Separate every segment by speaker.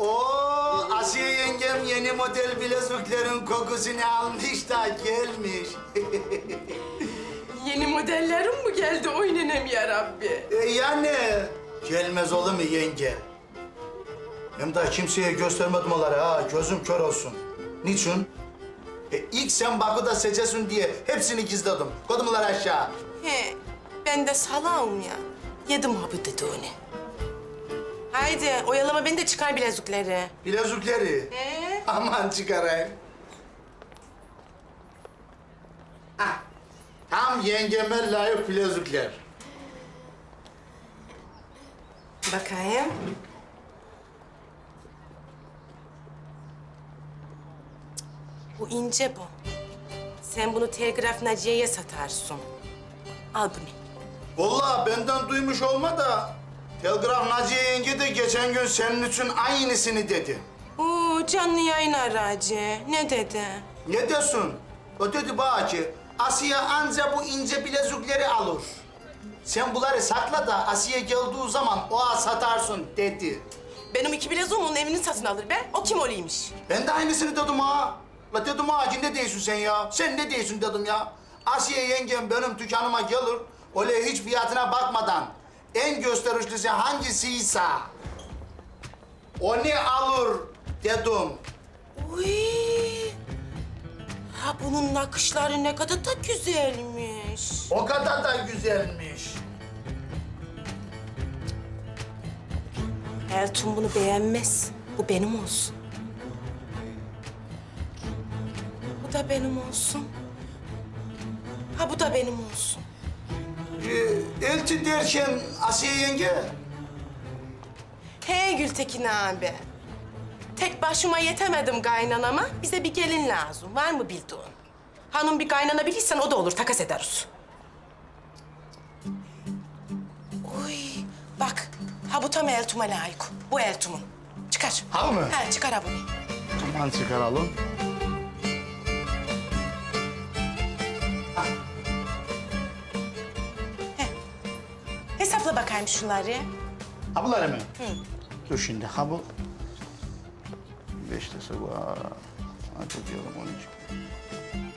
Speaker 1: Oo, Asiye yengem yeni model bileziklerin kokusunu almış da gelmiş.
Speaker 2: Yeni modellerim mi geldi oynanem ya Rabbi?
Speaker 1: Yani gelmez olur mu yenge? Hem daha kimseye göstermedim onları ha, gözüm kör olsun. Niçin? İlk sen Bakı'da seçesin diye hepsini gizledim. Kodumlar aşağı.
Speaker 2: He, ben de salağım ya. Yedim ha bu dedi onu. Haydi oyalama beni de çıkar bilezikleri.
Speaker 1: Bilezikleri. Aman çıkarayım. Ah, tam yengeme layık bilezikler.
Speaker 2: Bakayım. Bu ince bu. Sen bunu Telgraf Naciye'ye satarsın. Al bunu.
Speaker 1: Vallahi benden duymuş olma da Telgraf Naciye yenge de geçen gün senin için aynısını dedi.
Speaker 2: Oo, canlı yayın aracı. Ne dedi?
Speaker 1: Ne diyorsun? O dedi bana ki Asiye anca bu ince bilezikleri alır. Sen bunları sakla da Asiye geldiği zaman oğa satarsın dedi.
Speaker 2: Benim iki bileziğim onun evini satın alır be. O kim oluymuş?
Speaker 1: Ben de aynısını dedim ha. La dedim ha ki ne diyorsun sen ya? Sen ne diyorsun dedim ya. Asiye yengem benim dükkanıma gelir. Öyle hiç fiyatına bakmadan en gösterişlisi hangisiyse onu alır dedim.
Speaker 2: Uy. Ha bunun nakışları ne kadar da güzelmiş.
Speaker 1: O kadar da güzelmiş.
Speaker 2: Elton bunu beğenmez. Bu benim olsun. Bu da benim olsun. Ha bu da benim olsun.
Speaker 1: Elçi derken Asiye yenge.
Speaker 2: Hey Gültekin abi. Tek başıma yetemedim kaynanama. Bize bir gelin lazım. Var mı bildiğin? Hanım bir kaynana bilirsen o da olur. Takas ederiz. Uy bak. Ha bu tam Eltum'a layık. Bu Eltum'un. Çıkar.
Speaker 1: Ha mı?
Speaker 2: Ha çıkar ha bunu.
Speaker 1: Aman çıkaralım.
Speaker 2: Hesapla bakayım şunları.
Speaker 1: Ha bunları mı? Dur şimdi ha bu. 5 lirası var. Hadi diyelim 13.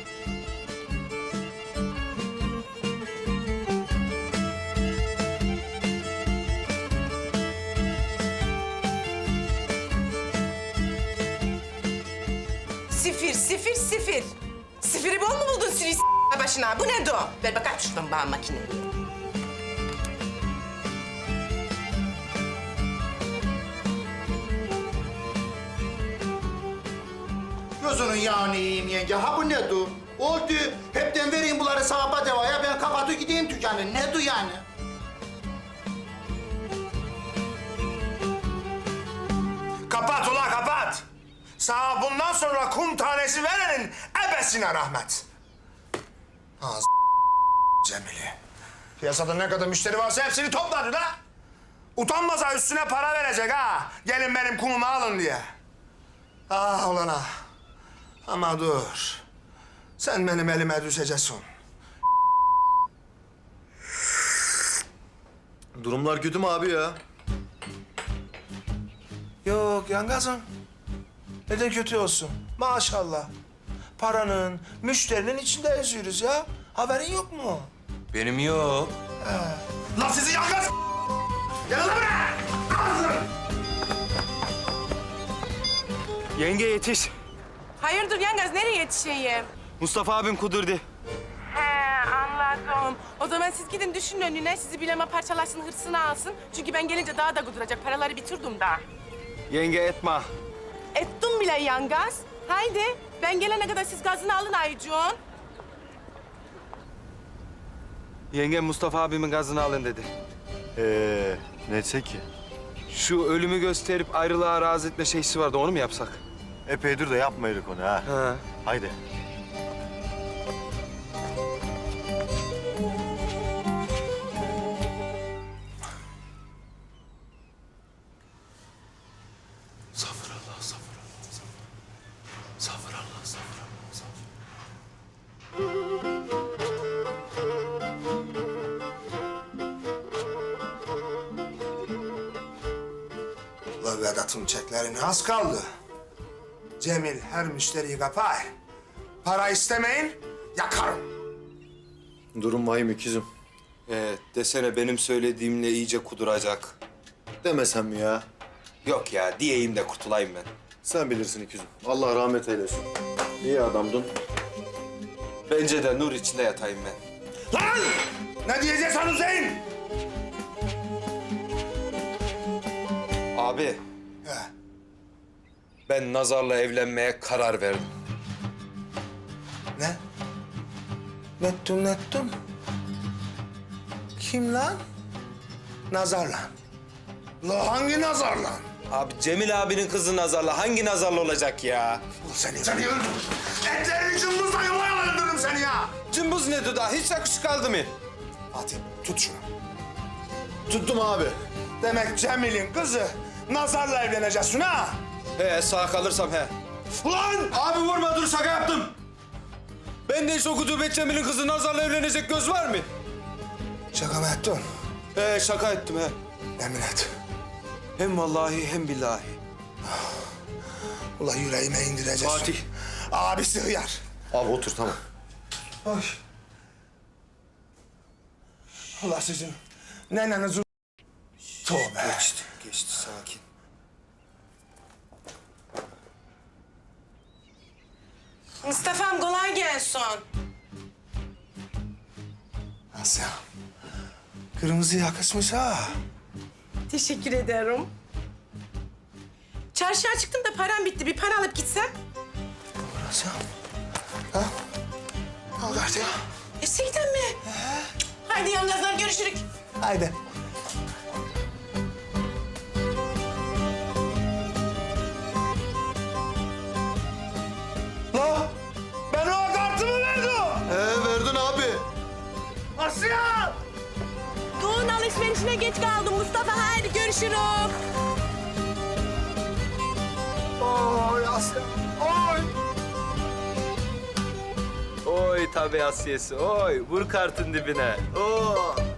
Speaker 2: Sifir, sifir, sifir. Sifiri bol mu buldun sürü başına? Bu ne do? Ver bakayım şuradan bana makineyi.
Speaker 1: Gözünün yağını yiyeyim yenge. Ha bu ne du? Oldu. Hepten vereyim bunları sahaba devaya. Ben kapatıp gideyim dükkanı. Ne du yani?
Speaker 3: Kapat ulan kapat. Sana bundan sonra kum tanesi verenin ebesine rahmet. Az Cemili. Piyasada ne kadar müşteri varsa hepsini topladı da. Utanmasa üstüne para verecek ha. Gelin benim kumumu alın diye. Ah ulan ah. Ama dur. Sen benim elime düşeceksin.
Speaker 4: Durumlar kötü mü abi ya?
Speaker 3: Yok yangazım. Neden kötü olsun? Maşallah. Paranın, müşterinin içinde yazıyoruz ya. Haberin yok mu?
Speaker 4: Benim yok.
Speaker 3: Lan sizi yangaz! Gelin lan buraya!
Speaker 5: Yenge yetiş.
Speaker 2: Hayırdır yengaz, nereye yetişeyim?
Speaker 5: Mustafa abim kudurdu.
Speaker 2: He, anladım. O zaman siz gidin düşünün önüne, sizi bileme parçalasın, hırsını alsın. Çünkü ben gelince daha da kuduracak, paraları bitirdim daha.
Speaker 5: Yenge etme.
Speaker 2: Ettim bile yangaz. Haydi, ben gelene kadar siz gazını alın Aycuğun.
Speaker 5: Yenge Mustafa abimin gazını alın dedi.
Speaker 4: Ne etsek ki?
Speaker 5: Şu ölümü gösterip ayrılığa razı etme şeysi vardı, onu mu yapsak?
Speaker 4: Epeydir de yapmaydık onu ha.
Speaker 5: Ha.
Speaker 4: Haydi.
Speaker 3: Sabırallah, sabırallah, sabırallah. Sabırallah, sabırallah, sabırallah. Ulan Vedat'ın çeklerini az kaldı. Cemil her müşteriyi kapar. Para istemeyin, yakarım.
Speaker 4: Durum vahim ikizim.
Speaker 5: Desene benim söylediğimle iyice kuduracak.
Speaker 4: Demesem mi ya?
Speaker 5: Yok ya diyeyim de kurtulayım ben.
Speaker 4: Sen bilirsin ikizim. Allah rahmet eylesin. İyi adamdın.
Speaker 5: Bence de nur içinde yatayım ben.
Speaker 3: Lan! Ne diyeceksin Hüseyin?
Speaker 5: Abi
Speaker 3: He.
Speaker 5: ben Nazar'la evlenmeye karar verdim.
Speaker 3: Ne? Nettum. Kim lan? Nazar lan. La hangi Nazar lan?
Speaker 5: Abi Cemil abinin kızı Nazar'la hangi Nazar'la olacak ya?
Speaker 3: Seni öldürürüm. Etlerini cımbızla yuvaya öldürürüm seni ya.
Speaker 5: Cımbız ne duda? Hiç yakışık kaldı mı?
Speaker 3: Fatih tut şunu.
Speaker 4: Tuttum abi.
Speaker 3: Demek Cemil'in kızı Nazar'la evleneceksin ha?
Speaker 5: He sağ kalırsam he.
Speaker 3: Ulan!
Speaker 5: Abi vurma dur şaka yaptım. Ben de hiç o kutubet Cemil'in kızı Nazar'la evlenecek göz var mı?
Speaker 3: Şaka mı ettin?
Speaker 5: He şaka ettim he.
Speaker 3: Yemin et.
Speaker 5: Hem vallahi hem billahi.
Speaker 3: Ulan yüreğime indireceksin.
Speaker 5: Fatih.
Speaker 3: Abisi hıyar.
Speaker 4: Abi otur tamam.
Speaker 3: Oy. Ulan sizin nenenizin... Tövbe.
Speaker 5: Geçti sakin.
Speaker 2: Mustafa'm kolay gelsin.
Speaker 3: Asya. Kırmızı yakışmış ha.
Speaker 2: Teşekkür ederim. Çarşıya çıktım da param bitti. Bir para alıp gitsem.
Speaker 3: Asya. Ha? Al kartı.
Speaker 2: Gerçekten mi? Haydi yalnızlar görüşürük.
Speaker 3: Haydi. La! Ben o kartımı verdim.
Speaker 4: Verdin abi.
Speaker 3: Asya!
Speaker 2: Doğun alışverişine geç kaldım Mustafa. Haydi görüşürük.
Speaker 3: Oy Asya. Oy!
Speaker 5: Oy tabii Asiyesi oy. Vur kartın dibine. Oo.